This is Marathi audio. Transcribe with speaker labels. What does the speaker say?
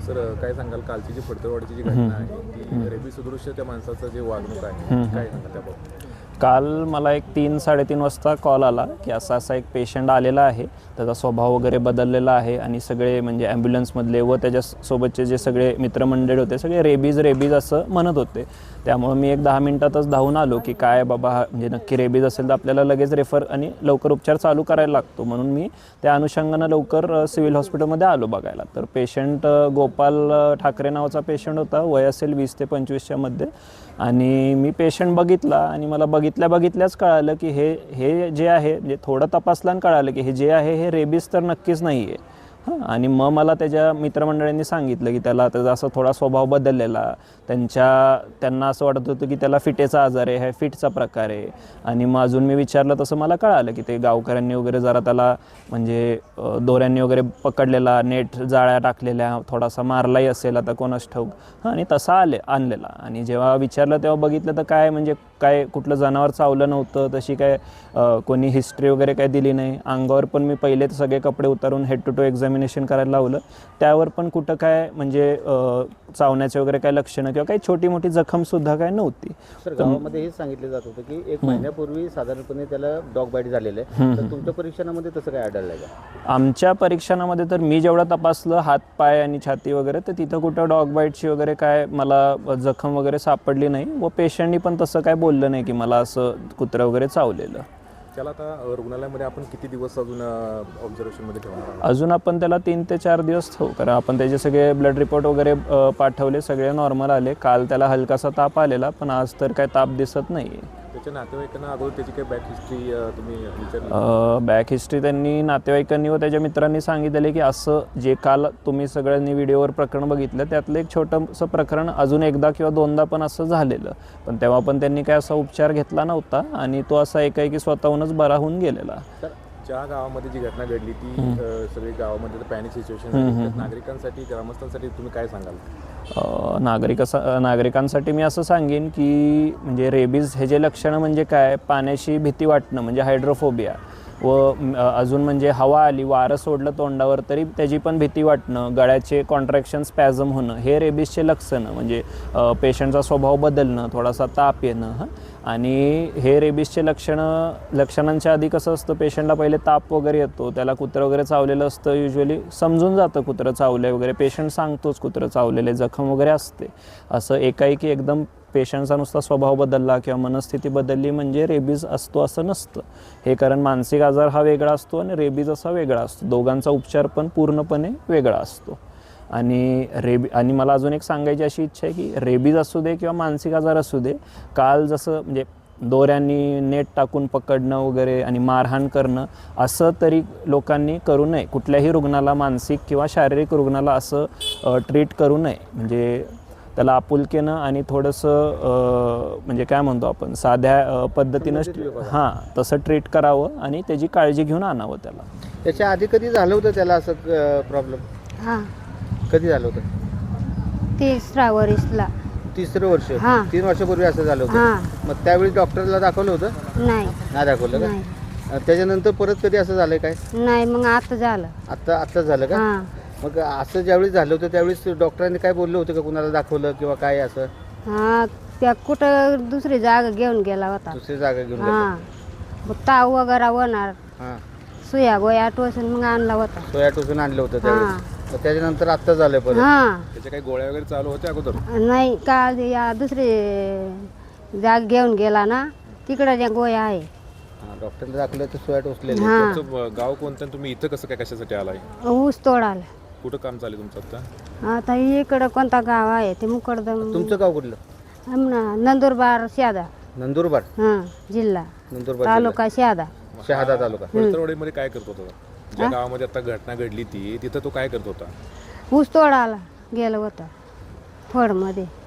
Speaker 1: सर काय सांगाल कालची जी फडतरवाडीची जी घटना आहे ती रेबीज सदृश्य त्या माणसाचं जे वागणूक आहे काय सांगाल त्याबाबत?
Speaker 2: काल मला एक 3-3:30 वाजता कॉल आला की असा एक पेशंट आलेला आहे, त्याचा स्वभाव वगैरे बदललेला आहे आणि सगळे म्हणजे ॲम्ब्युलन्समधले व त्याच्यासोबतचे जे सगळे मित्रमंडळ होते सगळे रेबीज असं म्हणत होते. त्यामुळे मी एक 10 मिनिटातच धावून आलो की काय बाबा म्हणजे नक्की रेबीज असेल तर आपल्याला लगेच रेफर आणि लवकर उपचार चालू करायला लागतो, म्हणून मी त्या अनुषंगानं लवकर सिव्हिल हॉस्पिटलमध्ये आलो बघायला. तर पेशंट गोपाल ठाकरे नावाचा पेशंट होता, वय असेल 20 ते 25च्या मध्ये. आणि मी पेशंट बघितला आणि मला बघितल्याच कळालं की हे जे आहे म्हणजे थोडं तपासल्यानं कळालं की हे जे आहे हे रेबीज तर नक्कीच नाही आहे. आणि मग मला त्याच्या मित्रमंडळींनी सांगितलं की त्याचा असा थोडा स्वभाव बदललेला, त्यांना असं वाटत होतं की त्याला फिटेचा आजार आहे, हा फिटचा प्रकार आहे. आणि मग अजून मी विचारलं तसं मला कळालं की ते गावकऱ्यांनी वगैरे जरा त्याला म्हणजे दोऱ्यांनी वगैरे पकडलेला, नेट जाळ्या टाकलेल्या, थोडासा मारलाही असेल आता कोणास ठाऊक. आणि तसा आणलेला. आणि जेव्हा विचारलं तेव्हा बघितलं तर काय म्हणजे काय कुठलं जनावर चावलं नव्हतं, तशी काय कोणी हिस्ट्री वगैरे काय दिली नाही. अंगावर पण मी पहिले सगळे कपडे उतारून हेड टू टो एक्झामिनेशन करायला लावलं, त्यावर पण कुठं काय म्हणजे चावण्याचे वगैरे काय लक्षणं किंवा काही छोटी मोठी जखमसुद्धा काय नव्हती.
Speaker 3: सर गावामध्ये हेच सांगितलं जात होतं की 1 महिन्यापूर्वी साधारणपणे त्याला डॉग बाईट झालेलं आहे, तर तुमच्या परीक्षणामध्ये तसं काय आढळलं आहे का?
Speaker 2: आमच्या परीक्षणामध्ये तर मी जेवढं तपासलं हात पाय आणि छाती वगैरे, तर तिथं कुठं डॉग बाईटची वगैरे काय मला जखम वगैरे सापडली नाही. व पेशंटनी पण तसं काय बोललं नाही की मला असं कुत्रं वगैरे चावलेलं.
Speaker 1: त्याला आता रुग्णालयामध्ये आपण किती दिवस अजून ऑब्झर्वेशनमध्ये ठेवणार आहोत?
Speaker 2: अजून आपण त्याला 3 ते 4 दिवस ठेवू, कारण आपण त्याचे सगळे ब्लड रिपोर्ट वगैरे पाठवले, सगळे नॉर्मल आले. काल त्याला हलकासा ताप आलेला, पण आज तर काय ताप दिसत नाही आहे.
Speaker 1: त्याच्या नातेवाईकांना अगोदर त्याची काही बॅक हिस्ट्री तुम्ही विचारली?
Speaker 2: बॅक हिस्ट्री त्यांनी नातेवाईकांनी व त्याच्या मित्रांनी सांगितले की असं जे काल तुम्ही सगळ्यांनी व्हिडिओवर प्रकरण बघितलं त्यातलं एक छोटंसं प्रकरण अजून एकदा किंवा दोनदा पण असं झालेलं, पण तेव्हा पण त्यांनी काय असा उपचार घेतला नव्हता आणि तो असा एकाएकी स्वतःहूनच बरा होऊन गेलेला.
Speaker 1: ज्या गावामध्ये जी घटना घडली ती सगळी गावामध्ये पॅनिक सिच्युएशन, नागरिकांसाठी ग्रामस्थांसाठी तुम्ही काय सांगाल?
Speaker 2: नागरिकांसाठी मी असं सांगेन की म्हणजे रेबीज हे जे लक्षणं म्हणजे काय, पाण्याची भीती वाटणं म्हणजे हायड्रोफोबिया, व अजून म्हणजे हवा आली, वारं सोडलं तोंडावर तरी त्याची पण भीती वाटणं, गळ्याचे कॉन्ट्रॅक्शन स्पॅझम होणं, हे रेबीजचे लक्षणं म्हणजे पेशंटचा स्वभाव बदलणं, थोडासा ताप येणं. आणि हे रेबीजचे लक्षणांच्या आधी कसं असतं, पेशंटला पहिले ताप वगैरे येतो, त्याला कुत्रं वगैरे चावलेलं असतं, युजली समजून जातं कुत्रं चावलं वगैरे, पेशंट सांगतोच कुत्रं चावलेले, जखम वगैरे असते. असं एकाएकी एकदम पेशंटचा नुसता स्वभाव बदलला किंवा मनस्थिती बदलली म्हणजे रेबीज असतो असं नसतं. हे कारण मानसिक आजार हा वेगळा असतो आणि रेबीज असा वेगळा असतो, दोघांचा उपचार पण पूर्णपणे वेगळा असतो. आणि मला अजून एक सांगायची अशी इच्छा आहे की रेबीज असू दे किंवा मानसिक आजार असू दे, काल जसं म्हणजे दोऱ्यांनी नेट टाकून पकडणं वगैरे आणि मारहाण करणं असं तरी लोकांनी करू नये. कुठल्याही रुग्णाला, मानसिक किंवा शारीरिक रुग्णाला असं ट्रीट करू नये. म्हणजे त्याला आपुलकीनं आणि थोडंसं म्हणजे काय म्हणतो आपण साध्या पद्धतीनं तसं ट्रीट करावं आणि त्याची काळजी घेऊन आणावं त्याला.
Speaker 3: त्याच्या आधी कधी झालं होतं त्याला असं प्रॉब्लेम?
Speaker 4: हां,
Speaker 3: कधी झालं होतं?
Speaker 4: 3ऱ्या वर्षला.
Speaker 3: 3रं वर्ष? 3 वर्षापूर्वी असं झालं होतं. मग त्यावेळी डॉक्टरला दाखवलं होतं? नाही दाखवलं का? त्याच्यानंतर परत कधी असं झालंय काय?
Speaker 4: नाही, मग आता झालं.
Speaker 3: आता झालं का? मग असं ज्यावेळी झालं होतं त्यावेळेस डॉक्टरांनी काय बोललं होतं का, कुणाला दाखवलं किंवा काय असं?
Speaker 4: त्या कुठं दुसरी जागा घेऊन गेला होता.
Speaker 3: दुसरी जागा घेऊन गेला?
Speaker 4: मग ताव वगैरे होणार, सुया गोया टोचून मग आणला होता.
Speaker 3: सोया टोचून आणलं होतं त्यावेळेस. त्याच्यानंतर आता झालं परत?
Speaker 1: त्याच्या काही गोळ्या वगैरे चालू होत्या अगोदर?
Speaker 4: नाही, का या दुसरी जागा घेऊन गेला ना, तिकडं त्या गोया आहे.
Speaker 3: डॉक्टरने दाखवलं तर सोया टोचलेली.
Speaker 1: गाव कोणतं, तुम्ही इथं कसं काय कशासाठी आलाय?
Speaker 4: ऊस तोडायला.
Speaker 1: कुठं काम चालू तुमचं आता?
Speaker 4: आता इकडं कोणता गाव आहे ते मुकडदम.
Speaker 3: तुमचं गाव कुठलं?
Speaker 4: नंदुरबार शहादा.
Speaker 3: नंदुरबार
Speaker 4: जिल्हा,
Speaker 3: नंदुरबार
Speaker 4: तालुका शहादा.
Speaker 3: शहादा तालुका.
Speaker 1: फडतरवाडीमध्ये काय करत होता? ज्या गावामध्ये आता घटना घडली ती तिथं तो काय करत होता?
Speaker 4: ऊस तोडायला गेलं होतं फडमध्ये.